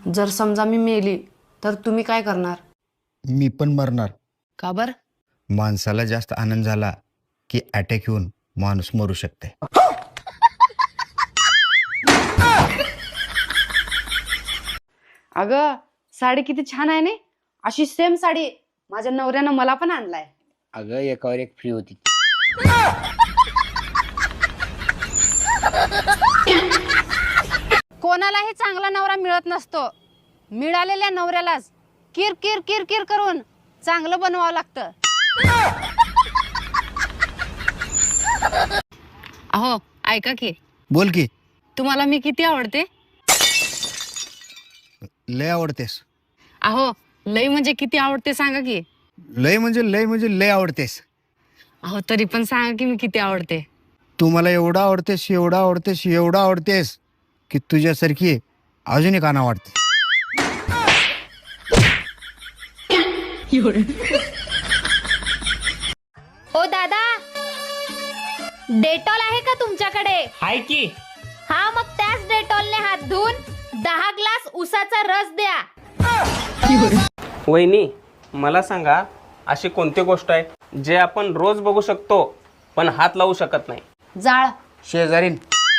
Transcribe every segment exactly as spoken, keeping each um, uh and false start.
जर समजा मी मेली तर तुम्ही काय करणार? मी पण मरणार. का बर? माणसाला जास्त आनंद झाला की अटॅक येऊन माणूस मरू शकते. अगं साडी किती छान आहे ने. अशी सेम साडी माझ्या नवऱ्यानं मला पण आणलाय. अगं एकावर एक फ्री होती. कोणालाही चांगला नवरा मिळत नसतो. मिळालेल्या नवऱ्यालाच किर किर किर किर करून चांगलं बनवावं लागतं. अहो ऐका की, बोल की. तुम्हाला मी किती आवडते? लय आवडतेस. अहो लय म्हणजे किती आवडते सांगा की. लय म्हणजे लय म्हणजे लय आवडतेस. अहो तरी पण सांगा की मी किती आवडते. तू मला एवढं आवडतेस एवढं आवडतेस एवढं आवडतेस की तुझ्यासारखी अजून एक आणा वाटते. ओ दादा, डेटॉल आहे का तुमच्याकडे? हाय की. हा मग त्याच डेटॉलने हात धुवून दहा ग्लास उसाचा रस द्या. वहिनी मला सांगा, अशी कोणती गोष्ट आहे जे आपण रोज बघू शकतो पण हात लावू शकत नाही? जाळ. शेजारीन.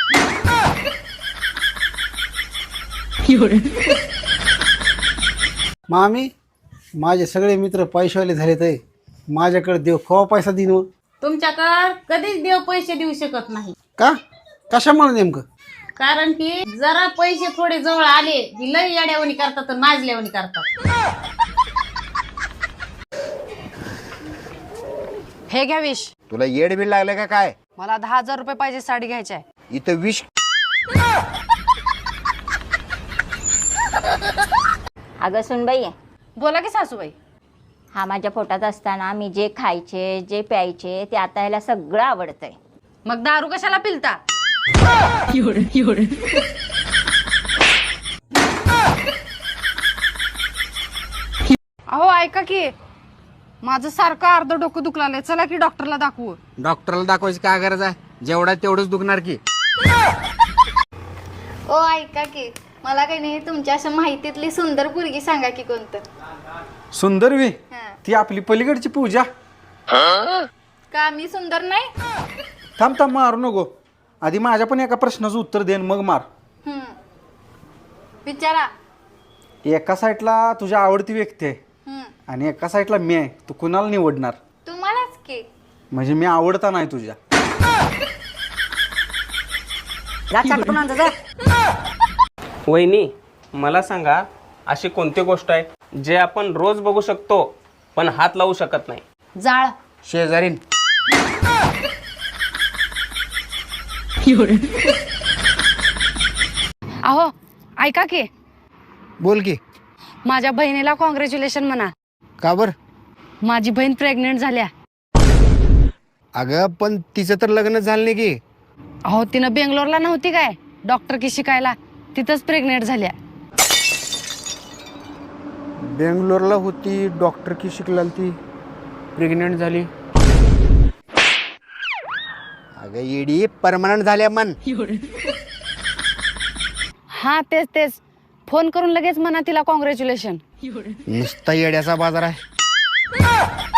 मामी, माझे सगळे मित्र पैशावाले झाले तर माझ्याकडे देव केव्हा पैसा देईन मग? तुमच्याकडं कधीच देव पैसे देऊ शकत नाही. का? कशामुळे नेमकं? कारण की जरा पैसे थोडे जवळ आले की लई येड्यावणी करतात आणि माजल्यावणी करतात. हे घ्या विष. तुला येड बिल लागलं का काय? मला दहा हजार रुपये पाहिजे साडी घ्यायची आहे. इथं विष. अगं सुनबाई, बोला की सासूबाई. हा माझ्या पोटात असताना मी जे खायचे जे प्यायचे ते आता ह्याला सगळं आवडतंय. मग दारू कशाला पिलता? अहो ऐका की, माझं सारखं अर्ध डोकं दुखलाय. चला की डॉक्टरला दाखवू. डॉक्टरला दाखवायची काय गरज आहे? जेवढा तेवढंच दुखणार की. ओ ऐका की, मला काही नाही तुमच्या अशा माहितीतली सुंदर पोरगी सांगा की कोणतं. सुंदर वे ती आपली पलीकडची पूजा. का मी सुंदर नाही? थांब थांब मारू नको. आधी माझ्या पण एका प्रश्नाचं उत्तर देन मग मार. हम्म. विचारा. एका साईडला तुझ्या आवडती व्यक्ती आहे हम्म. आणि एका साईडला मी आहे. तू कुणाला निवडणार? तुम्हालाच की. म्हणजे मी आवडता नाही तुझ्या. वहिनी मला सांगा, अशी कोणती गोष्ट आहे जे आपण रोज बघू शकतो पण हात लावू शकत नाही? जाळ. शेजारीन. अहो ऐका की, बोल की. माझ्या बहिणीला कॉंग्रॅच्युलेशन म्हणा. का बर? माझी बहीण प्रेग्नेंट झाल्या. अगं पण तिचं तर लग्न झालं नाही की. अहो तिनं बेंगलोरला नव्हती काय डॉक्टर की शिकायला, तिथंच प्रेग्नेंट झाल्या. बेंगलोरला होती, डॉक्टर की शिकला ती, प्रेग्नेंट झाली. अगं येडी परमनंट झाल्या मन. हा तेच तेच, फोन करून लगेच म्हणा तिला कॉंग्रॅच्युलेशन. नुसता येड्याचा बाजार आहे.